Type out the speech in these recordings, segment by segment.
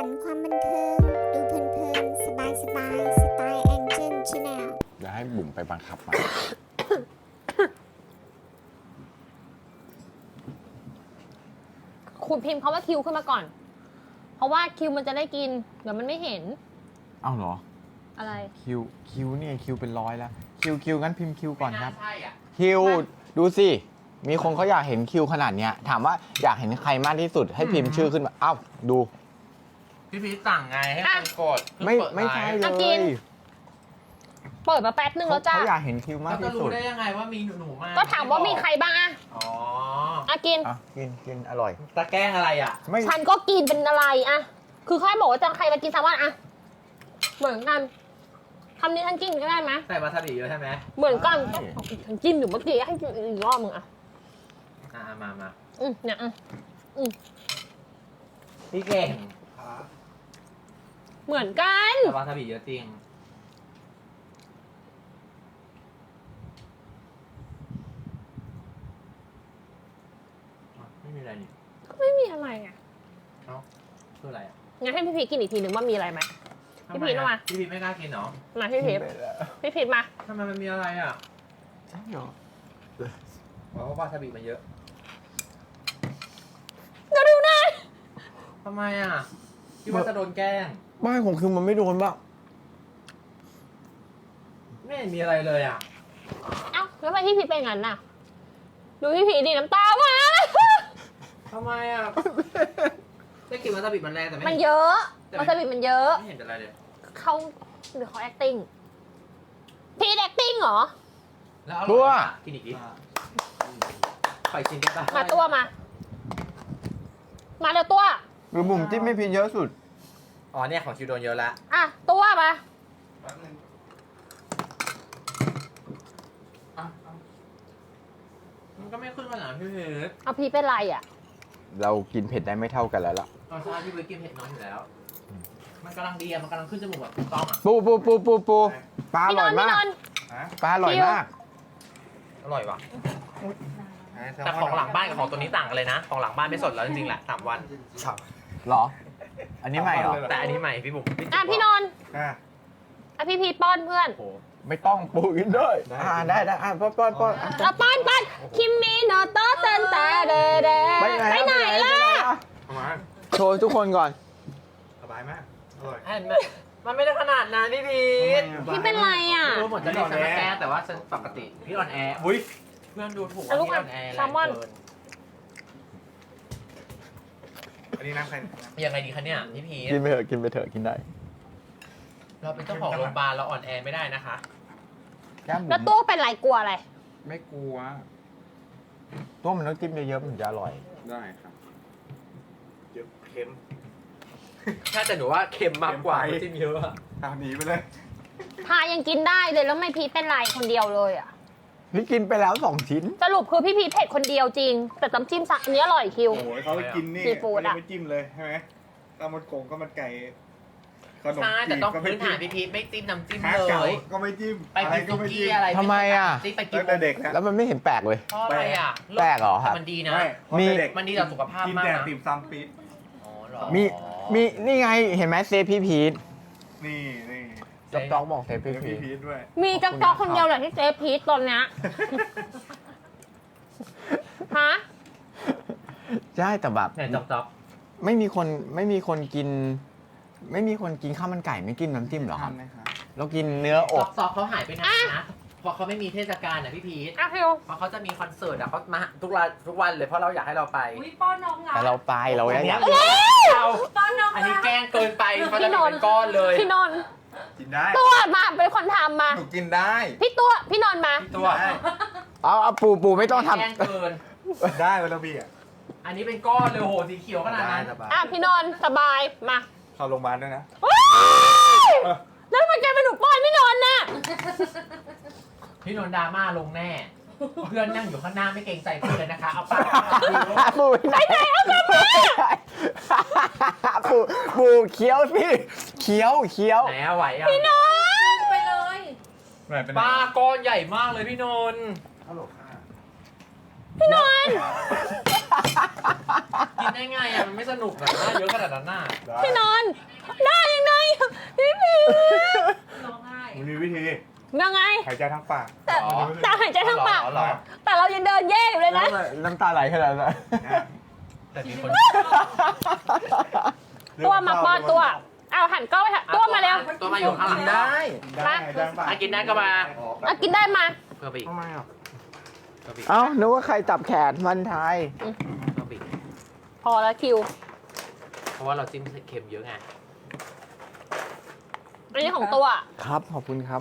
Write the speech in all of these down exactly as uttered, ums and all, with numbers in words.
นความบันเทิง ดูเพลินๆสบายสบายสไตล์แองเจิลชาแนลเดี๋ยวให้บุ๋มไปบังคับมาคุณพิมพ์คำว่าคิวขึ้นมาก่อน เพราะว่าคิวมันจะได้กิน เดี๋ยวมันไม่เห็นเอ้าเหรออะไรคิวคิวเนี่ยคิวเป็นร้อยแล้วคิวคิวงั้นพิมพ์คิวก่อนครับใช่อ่ะคิวดูสิมีคนเขาอยากเห็นคิวขนาดเนี้ยถามว่าอยากเห็นใครมากที่สุดให้พิมพ์ชื่อขึ้นมาเอ้าดูพี่พีชสั่งไงให้คนกดไม่ไม่ใช่เลอ่ะกินยเปิดมาแป๊บนึงเขาแล้วจ้าเขาอยากเห็นคิวมากเขาจะที่สุรู้ดได้ยังไงว่ามีหนูหนูๆมากก็ถามว่ามีใครบ้างอะอ๋ออ่ะกินอ่ะกินกินอร่อยตะแกล้งอะไรอ่ะไม่ฉันก็กินเป็นอะไรอะคือใครบอกว่าจะใครมากินแซลมอนอะเหมือนกันคำนี้ฉันกินก็ได้ไหมใส่วาซาบิเยอะใช่ไหมเหมือนกันฉันจิ้มอยู่เมื่อกี้ให้กินอีกรอบมึงอะอ่ามามาอืมเนี่ยอืมพี่เก่งเหมือนกันแต่วาซาบิเยอะจริงอ่ะไม่มีอะไรนี่ก็ไม่มีอะไรอะเอ้าคืออะไรอ่ะงั้นให้พี่พีชกินอีกทีหนึ่งว่ามีอะไรไหม พี่พีชทำไเอามาพี่พีชไม่กล้ากินเหรอมาพี่พีชพี่พีชมาทำไมมันมีอะไรอ่ะใช่เหรอเพราะว่าวาซาบิมันเยอะเดี๋ยวดูหน่อยทำไมอ่ะคิดว่าจะโดนแกล้งไม่ของคือมันไม่โดนบ้างไม่เห็นมีอะไรเลยอ่ะเอ้าแล้วทำไมพี่พีชเป็นงั้นน่ะ ดูพี่พีชดิน้ำตามาทำไมอ่ะ ได้กลิ่นวาซาบิมันแรงแต่ไม่มันเห็นเยอะแต่วาซาบิมันเยอะไม่เห็นเป็นอะไรเลยเขาหรือเขา acting พีช acting เหรอแล้วอตัร่วอยอ่ะกินอีกดิปล่อยชิ้นได้ปะมาตัวมา มาเดี๋ยวตัวหรือบุ๋มจิ้มไม่พิมพ์เยอะสุดอ๋อเนี่ยของคิวโดนเยอะละอ่ะ ตัวมามันก็ไม่ขึ้นขนาดนั้นพี่เพชรเอาพีชเป็นไรอ่ะเรากินเผ็ดได้ไม่เท่ากันแล้วล่ะตอนเช้าพี่เพชรกินเผ็ดน้อยอยู่แล้ว มันกำลังดีอะมันกำลังขึ้นจมูกแบบถูกต้องอะปูปูปูปูปูปลาอพี่นร่อน ยท์พี่มาน กนท์ปลาอร่อยคิวมากอร่อยว่ะแต่ของหลังบ้านกับของตัวนี้ต่างกันเลยนะ ของหลังบ้านไม่สดแล้วจริงๆแหละสามวันเหรอ อันนี้ใหม่เหรอแต่อันนี้ใหม่พี่บุ๋มอ่ะพี่นนท์อ่ะอ่ะพี่พีชป้อนเพื่อนโอ้โหไม่ต้องปูกินด้วยอ่าได้ได้อ่ะป้อนป้อนป้อนอ่ะเอาป้อนป้อนคิมมี่โนโตะเต้นแต่เดเดไปไหนไปไหนล่ะเอามาโชว์ทุกคนก่อนสบายมาก อร่อยเห็นไหมมันไม่ได้ขนาดนั้นพี่พีชพี่เป็นไรอ่ะรู้เหมือนจะเรียกฉันมาแกล้งแต่ว่าฉันปกติ พี่ออนแอร์อุ้ยเพื่อนดูถูกว่าอ่ะลูกพี่ออ่ะอนแอร์แซลมอนแรงเกินอันนี้น้ำใครยังไงดีคะเนี่ยพี่พีชกินไปเถอะกินไปเถอะกินได้เราเป็นเจ้าของโรงพยาบาลเราอ่อนแอไม่ได้นะคะแก้มบุ๋แล้วมตัวเป็นไรกลัวอะไรไม่กลัวตัวมันต้องจิ้มเยอะๆมันถึงจะอร่อยได้ครับ เยอะเค็มถ้าแต่หนูว่าเค็มมากกว่าเค็มไปจิ้มเยอะอะตามหนีไปเลยพายังกินได้เลยแล้วไม่พีชเป็นไรคนเดียวเลยอ่ะนี่กินไปแล้วสองชิ้นสรุปคือพี่พีชเผ็ดคนเดียวจริง แต่น้ำจิ้มสักอันนี้อร่อยคิวโอ้โหเขาไปกินนี่ซีฟู้ดไม่ได้อะไปจิ้มเลยใช่ไหมข้าวมันโกงก็มันไก่ ขนมใช่จีแต่บต้องก็ไม่พื้นจิ้ฐาม นพี่พีชไม่จิ้มน้ำจิ้มฮาเลเก๋าย ก็ไม่จิ้มไปอะไรกินก็ไม่ซุจิ้กี้มอะไรทำไมอะที่ไปกินตั้งแต่เด็กนะแล้วมันไม่เห็นแปลกเลยเพราะอะไรอ่ะแปลกเหรอครับมันดีนะไม่เพราะมีแต่เด็กมันดีต่อสุขภาพกินมากแต่นะติ่มซำปี๊ดอ๋อเหรอมีมีนี่ไงเห็นไหมเซฟพี่พีทนี่นี่จ๊อกจ๊อกบอกเซฟเดี๋พี่ยวพีทพี่พีทด้วยมีจ๊อกจ๊อกคนเดียวเลยที่เจ๊พีชตอนเนี้ย ฮะใช่แต่แบบเนี่ยจ๊อกจ๊อกไม่มีคนไม่มีคนกิน ไม่มีคนกินข้าวมันไก่ไม่กินน้ำจิ้มเหรอครับทำนะครับเรากินเนื้ออจ๊อก กจ๊อกเขาหายไปนานนะเพราะเขาไม่มีเทศกาลนะพี่พีทอ่ะคิวเพราะเขาจะมีคอนเสิร์ตอ่ะเขามาทุกวันทุกวันเลยเพราะเราอยากให้เราไปอุ้ยป้อนน้องละแต่เราไปเราอยากเราป้อนน้องอันนี้ละแกล้งเกินไปเขาจะมีเป็นก้อนเลยพี่นนท์กินได้ตัวมาเป็นคนทำมาหนูกินได้พี่ตัวพี่นนท์มาพี่ตัวได้เอาเอาปูปูไม่ต้องทแกล้งเกินได้เวลาพี่อ่ะอันนี้เป็นก้อนเลยโอ้โหสีเขียวขนาดได้นั้นสบายอ่ะพี่นนท์สบายมาเข้าโรงพยาบาลด้วยนะเฮ้ยแล้วทำไมแกเป็นหนูป้อนพี่นนท์น่ะพี่นนท์ดราม่าลงแน่ เพื่อนนั่งอยู่ข้างหน้าไม่เกรงใจเพื่อนเลยนะคะ เอาปากำปูไหนไหนเอากลับมาปูปูเคี้ยวสิเคี้ยวเคี้ยวไหนอะไหวอะพี่นนท์ไปเลยไหนเป็นป้าก้อนใหญ่มากเลยพี่นนท์ฮัลโหลค่ะพี่นนท์กินได้ไงอ่ะมันไม่สนุกนะเยอะขนาดนั้นน่ะพี่นอนได้ยังไงพี่พี่มันมีวิธียังไงหายใจทางปากแต่แต่หายใจทางปากอ๋อเหรอแต่เรายังเดินแย่อยู่เลยนะน้ำตาไหลขนาดนั้นแต่มีคนตัวมาป้อนตัวเอาหันกล้องไปค่ะตัวมาเร็วตัวมาอยู่ข้างหลังได้ได้หายใจทางปากอ่ะกินได้ก็มาอ่ะกินได้มาเพื่อไปอีกทำไมอ่ะเพื่อไปอีกเอ้านึกว่าใครจับแขนมันไทยเพื่อไปอีกพอแล้วคิวเพราะว่าเราจิ้มเค็มเยอะไงอันนี้ของตัวครับขอบคุณครับ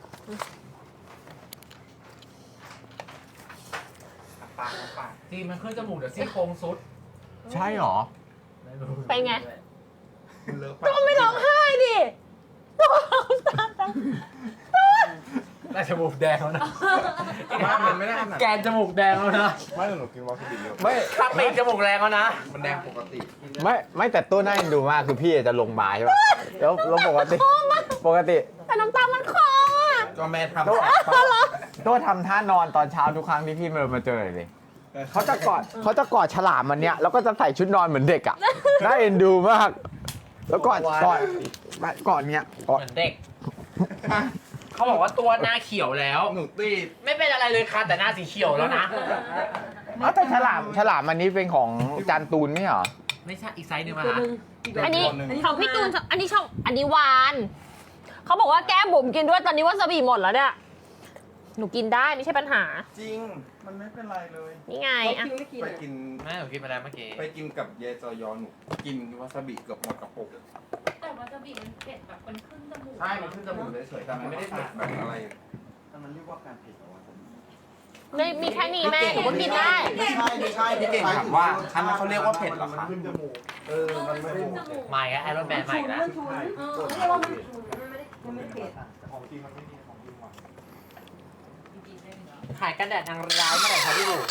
ปากปากจีมันขึ้นจมูกเดี๋ยวซี่โครงซุดใช่หรอเป็นไงมันเลอะตัวไม่ร้องไห้ดิตัวร้องตาตังได้จมูกแดงแล้วนะว่ามันไม่ได้ขนาดแกนจมูกแดงแล้วนะไม่หนูกินวาซาบิเยอะไม่ข้างปีกจมูกแรงแล้วนะมันแดงปกติไม่ไม่แต่ตัวน่าเอ็นดูมากคือพี่จะลงมาใช่ป่ะแล้วแล้วปกติปกติแต่น้ำตามันคออ่ะก็แม่ทำตัวตัวทำท่านอนตอนเช้าทุกครั้งที่พี่มาเจอเลยเขาจะกอดเขาจะกอดฉลามมันเนี้ยแล้วก็จะใส่ชุดนอนเหมือนเด็กอ่ะน่าเอ็นดูมาก แล้วกอดกอดกอดเนี้ยกอดเหมือนเด็ก เขาบอกว่าตัวหน้าเขียวแล้วหนูตีดไม่เป็นอะไรเลยค่ะแต่หน้าสีเขียวแล้วนะอ้าวแต่ฉลามฉลามอันนี้เป็นของจานตูนไม่เหรอไม่ใช่อีกไซส์หนึ่งมาฮะอันนี้ของพี่ตูนอันนี้ชอบอันนี้หวานเขาบอกว่าแก้มบุ๋มกินด้วยตอนนี้วาซาบิหมดแล้วเนี่ยหนูกินได้ไม่ใช่ปัญหาจริง มันไม่เป็นไรเลยนี่ไงอ่ะไปกินแม่หนูกินไปแล้วเมื่อกี้ไปกินกับเยจอยอนหนูกินวาซาบิเกือบหมดกระปุกแต่วาซาบิมันเผ็ดแบบมันขึ้นจมูกใช่ มันขึ้นจมูกเฉยๆแต่มันไม่ได้เผ็ดแบบอะไรมันเรียกว่าการเผ็ดเหรอวะไม่มีแค่นี้แม่หนูก็กินได้ไม่ใช่ไม่ใช่พี่เก่งถามว่าอันนั้นเขาเรียกว่าเผ็ดเหรอคะเออ มันไม่ได้ขึ้นจมูกใหม่อะไอรอนแมนใหม่นะเออเรียกว่ามันฉุนมันไม่ได้มันไม่เผ็ดของจริงมันไม่มีของจริงหวานจริงๆได้ไหมขายกันแดดทางร้ายเมื่อไหร่คะพี่บุ๋ม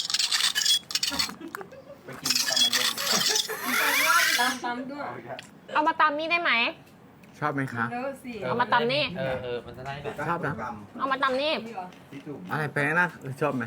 ไปกินตามมันเย็นตามตามด้วยเอามาตำนี่ได้ไหมชอบไหมคะเร็วสิเอามาตำนี่เออเออมันจะได้แบบชอบนะเอามาตำนี่นี่เหรอพี่จุ๋มอะไรแปลงนะชอบไหม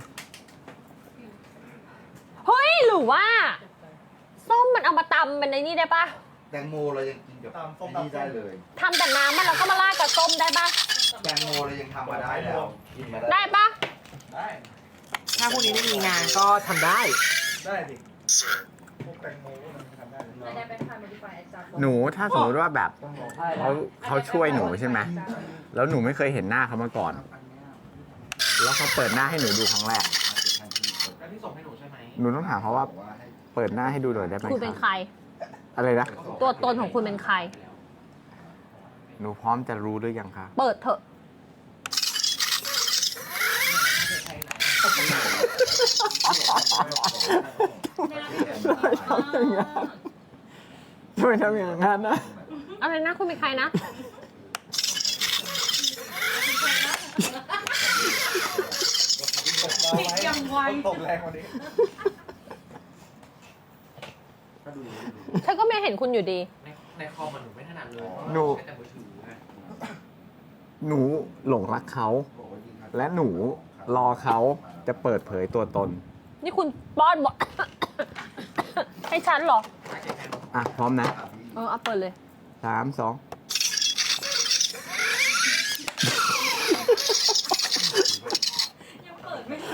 เฮ้ยหรือว่า ส้มมันเอามาตำเป็นในนี่ได้ปะแตงโมเรายังกินกับไอ้นี่ได้เลยทำแต่น้ำมันแล้วก็มาราดกับส้มได้ปะแตงโมเรายังทำมาได้แล้วกินมาได้ได้ปะได้ถ้าพวกนี้ไม่มีงานก็ทำได้ได้ดิพวกแตงโมพวกมันทำได้ไม่ได้เป็นไทยโมดิฟายแอดจัดหนูถ้าสมมติว่าแบบต้องรอเขาเขาช่วยหนูใช่ไหมแล้วหนูไม่เคยเห็นหน้าเขามาก่อน แล้วเขาเปิดหน้าให้หนูดูครั้งแรกแล้วที่ส่งให้หนูใช่ไหมหนูต้องถามเขาว่าเปิดหน้าให้ดูหน่อยได้ไหมคุณเป็นคใครรับอะไรนะตัวตนของคุณเป็นใครหนูพร้อมจะรู้หรือยังคะเปิดเถอะทำไมทำอย่างนั้นนะอะไรนะคุณเป็นใครนะยังไวตกแรงกวันนี้ฉันก็ไม่เห็นคุณอยู่ดีในในคอมมันหนูไม่ถนัดเลยหนูใช้แต่มือถือไงหนูหลงรักเขา และหนูรอเขาจะเปิดเผยตัวตนนี่คุณป้อนบอก ให้ฉันเหรออ่ะ พร้อมนะเออเอาเปิดเลยสามสองยังเปิดไม่ได้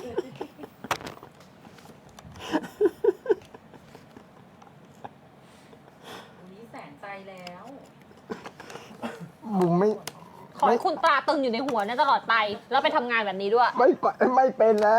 วันนี้แสนใจแล้วบุมไม่ขอให้คุณตราตึงอยู่ในหัวเนี่ยตลอดไป แล้วไปทำงานแบบนี้ด้วยไม่ปะไม่เป็นแล้ว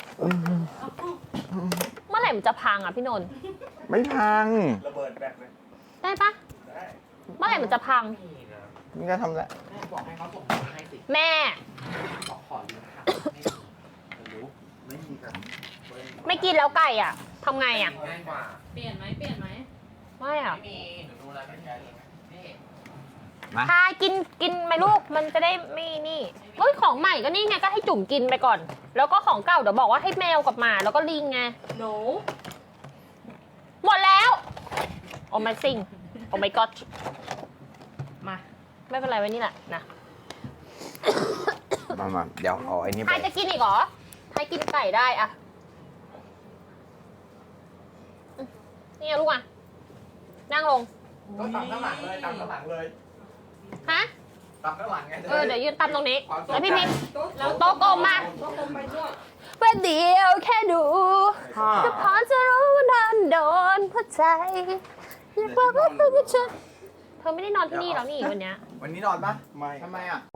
เมื่อไหร่มันจะพังอ่ะพี่นนท์ไม่พังระเบิดแบกเลยได้ปะได้เมื่อไหร่มันจะพังนี่นะมึงจะทำแล้วแม่บอกให้เขาส่งมาให้สิแม่บอกขอยืมค่ะไม่รู้ไม่มีกันไม่กินแล้วไก่อ่ะทำไงอ่ะง่ายกว่าเปลี่ยนไหมเปลี่ยนไหมไม่อ่ะไม่มีหนูดูแล้วไม่มีนี่มาพากินกินไหมลูก มันจะได้ไม่นี่เฮ้ยของใหม่ก็นี่ไงก็ให้จุ่มกินไปก่อน แล้วก็ของเก่าเดี๋ยวบอกว่าให้แมวกับหมาแล้วก็ลิงไงโนหมดแล้ว โอ้ my thing โอ้ my god มา ไม่เป็นไรไว้นี่แหละนะมามาเดี๋ยวเอาไอ้นี่ใคไปรจะกินอีกเหรอใครกินไก่ได้อะนี่ไงลูกอ่ะ นั่งลงก็ตามข้างหลังเลยตามข้างหลังเลยฮะตามข้างหลังไงเออ เดี๋ยวยืนตามตรงนี้ แล้วพี่พิมพ์แล้วโต๊ะกลมมาโต๊ะกลมไปด้วยเป็นเดียวแค่ดูก็พอจะรู้ว่านอนโดนหัวใจอยากบอกว่าเธอจะเธอไม่ได้นอนที่นี่แล้วนี่วันเนี้ยวันนี้นอนปะไม่ทำไมอ่ะ